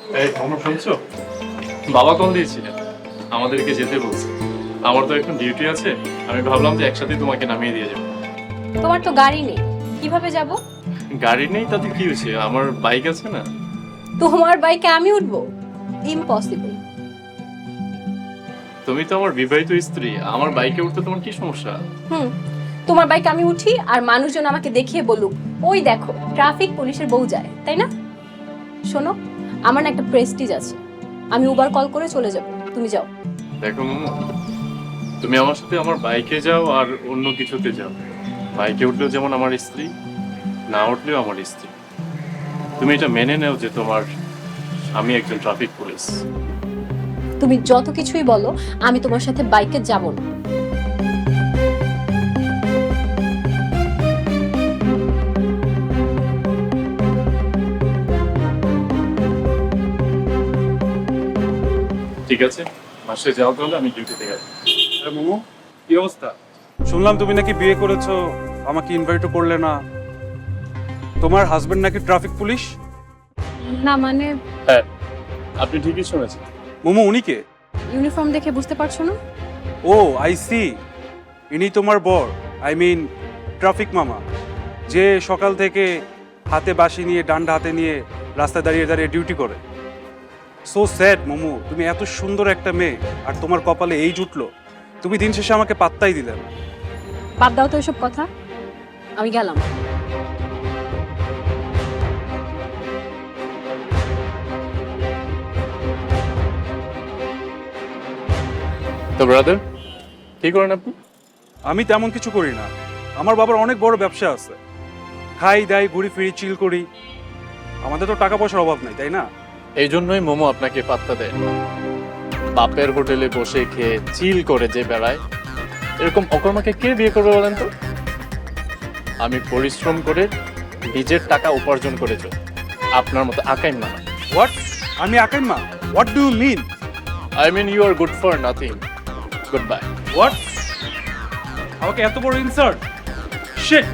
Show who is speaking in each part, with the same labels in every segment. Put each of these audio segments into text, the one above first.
Speaker 1: এই তোমরা শুনছো? বাবা কল দিয়েছিলেন, আমাদেরকে যেতে বলছে। আমার তো এখন ডিউটি আছে, আমি ভাবলাম যে একসাথে তোমাকে নামিয়ে দিয়ে যাবো।
Speaker 2: তোমার তো গাড়ি নেই, কিভাবে যাব?
Speaker 1: গাড়ি নেই তাতে কি হয়েছে, আমার বাইক আছে না।
Speaker 2: তোমার বাইকে আমি উঠবো? ইম্পসিবল।
Speaker 1: তুমি তো আমার বিবাহিত স্ত্রী, আমার বাইকে উঠতে তোমার কি সমস্যা?
Speaker 2: তোমার বাইকে আমি উঠি আর মানুষজন আমাকে দেখিয়ে বলুক, ওই দেখো ট্রাফিক পুলিশের বউ যায়, তাই না? শোনো, আমার না একটা প্রেস্টিজ আছে, আমি উবার কল করে চলে যাব, তুমি যাও।
Speaker 1: দেখো মোমো, তুমি আমার সাথে আমার বাইকে যাও আর অন্য কিছুতে যাও, বাইকে উঠলেও যেমন আমার স্ত্রী, না উঠলেও আমার স্ত্রী। তুমি এটা মেনে নাও যে তোমার আমি একজন ট্রাফিক পুলিশ।
Speaker 2: তুমি যত কিছুই বলো, আমি তোমার সাথে বাইকে যাব না।
Speaker 1: ঠিক আছে, মাসে যাও তাহলে, আমি ডিউটিতে গেছি।
Speaker 3: আরে মোমো, কি অবস্থা? শুনলাম তুমি নাকি বিয়ে করেছো, আমাকে ইনভাইটও করলে না। তোমার হাজবেন্ড নাকি ট্রাফিক পুলিশ?
Speaker 2: না মানে,
Speaker 1: হ্যাঁ, আপনি ঠিকই শুনেছেন।
Speaker 3: মোমো, উনি কে?
Speaker 2: ইউনিফর্ম দেখে বুঝতে পারছো না?
Speaker 3: ও আই সি, ইনি তোমার বর, আই মিন ট্রাফিক মামা, যে সকাল থেকে হাতে বাঁশি নিয়ে, ডান্ডা হাতে নিয়ে রাস্তায় দাঁড়িয়ে দাঁড়িয়ে ডিউটি করে। সো স্যাড মোমো, তুমি এত সুন্দর একটা মেয়ে আর তোমার কপালে এই জুটলো, তুমি দিন শেষে আমাকে পাত্তাই দিলে না।
Speaker 2: বাদ দাও তো এসব কথা, আমি গেলাম।
Speaker 1: তো ব্রাদার, কি করেন আপনি?
Speaker 3: আমি তেমন কিছু করি না, আমার বাবার অনেক বড় ব্যবসা আছে। খাই দাই, ঘুরি ফিরি, চিল করি। আমাদের তো টাকা পয়সার অভাব নাই, তাই না?
Speaker 1: এই জন্যই মোমো আপনাকে পাত্তা দেয়। বাপের হোটেলে বসে খেয়ে চিল করে যে বেড়ায়, এরকম অকর্মাকে কে বিয়ে করবে বলেন তো? আমি পরিশ্রম করে নিজের টাকা উপার্জন করেছি, আপনার মতো আকাইম না।
Speaker 3: হোয়াট? আমি আকাইমা? What do you mean?
Speaker 1: I mean you are good for nothing. Goodbye.
Speaker 3: What? আমাকে এত বড় ইনসাল্ট? শিট!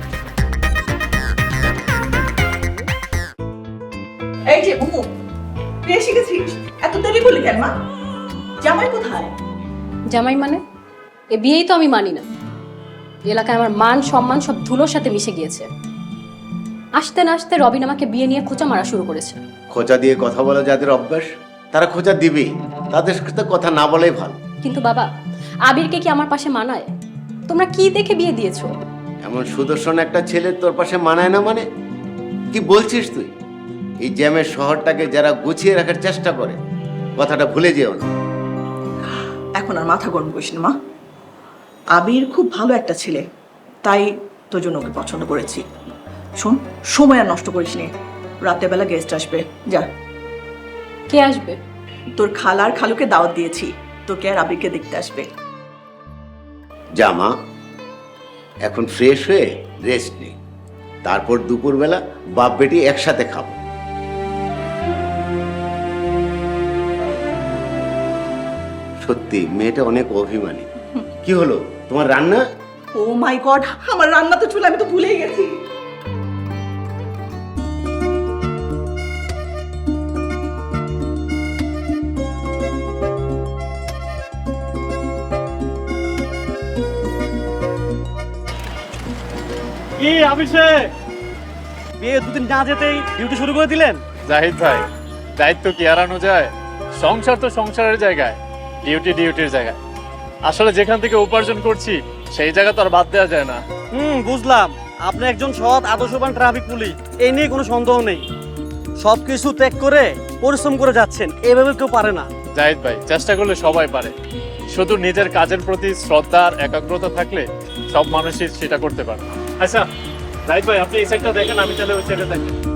Speaker 4: এই যে বুমু, তুই এসে গেছিস? এত দেরি বলি কেন মা? জামাই কোথায়?
Speaker 2: জামাই মানে? এ বিয়েই তো আমি মানি না। এলাকায় আমার মান সম্মান সব ধুলোর সাথে মিশে গিয়েছে। আসতে না আসতে রবিন আমাকে বিয়ে নিয়ে খোঁচা মারা শুরু করেছে।
Speaker 5: খোঁচা দিয়ে কথা বলা যাদের অভ্যাস, তারা খোঁচা দিবেই, তাদের সাথে কথা না বলাই ভালো।
Speaker 2: কিন্তু বাবা, আবিরকে কি আমার পাশে মানায়? তোমরা কি দেখে বিয়ে দিয়েছো?
Speaker 5: এমন সুদর্শন একটা ছেলে তোর পাশে মানায় না মানে? কি বলছিস তুই? এই জ্যামের শহরটাকে যারা গুছিয়ে রাখার চেষ্টা করে, কথাটা ভুলে যেও না।
Speaker 4: এখন আর মাথা গরম করিস না মা। আবির খুব ভালো একটা ছেলে, তাই তোর জন্য ওকে পছন্দ করেছি। শোন, সময় আর নষ্ট করিস নি, রাতের বেলা গেস্ট আসবে, যা।
Speaker 2: কে আসবে?
Speaker 4: তোর খালার খালুকে দাওয়াত দিয়েছি, তোকে আর আবিরকে দেখতে আসবে।
Speaker 5: জামা, এখন ফ্রেশ হয়ে রেস্ট নে, তারপর দুপুরবেলা বাপ বেটি একসাথে খাবো। সত্যি মেয়েটা অনেক অভিমানী। কি হলো তোমার রান্না?
Speaker 4: ও মাই গড, আমার রান্না তো চুলা, আমি তো ভুলেই গেছি।
Speaker 6: কি অভিষেক, বিয়ে দুদিন না যেতেই ডিউটি শুরু করে দিলেন?
Speaker 1: জাহিদ ভাই, দায়িত্ব কি এড়ানো যায়? সংসার তো সংসারের জায়গায়, ডিউটি ডিউটির জায়গায়। আসলে যেখান থেকে উপার্জন করছি সেই জায়গা তো আর বাদ দেওয়া যায় না।
Speaker 6: বুঝলাম, আপনি একজন সৎ আদর্শবান ট্রাফিক পুলিশ, এই নিয়ে কোনো সন্দেহ নেই। সবকিছু ত্যাগ করে পরিশ্রম করে যাচ্ছেন, এভাবে কেউ পারে না।
Speaker 1: জাহিদ ভাই, চেষ্টা করলে সবাই পারে, শুধু নিজের কাজের প্রতি শ্রদ্ধা আর একাগ্রতা থাকলে সব মানুষই সেটা করতে পারে। আচ্ছা জাহিদ ভাই, আপনি এই সাইডটা দেখেন, আমি তাহলে ওই সাইডে দেখেন।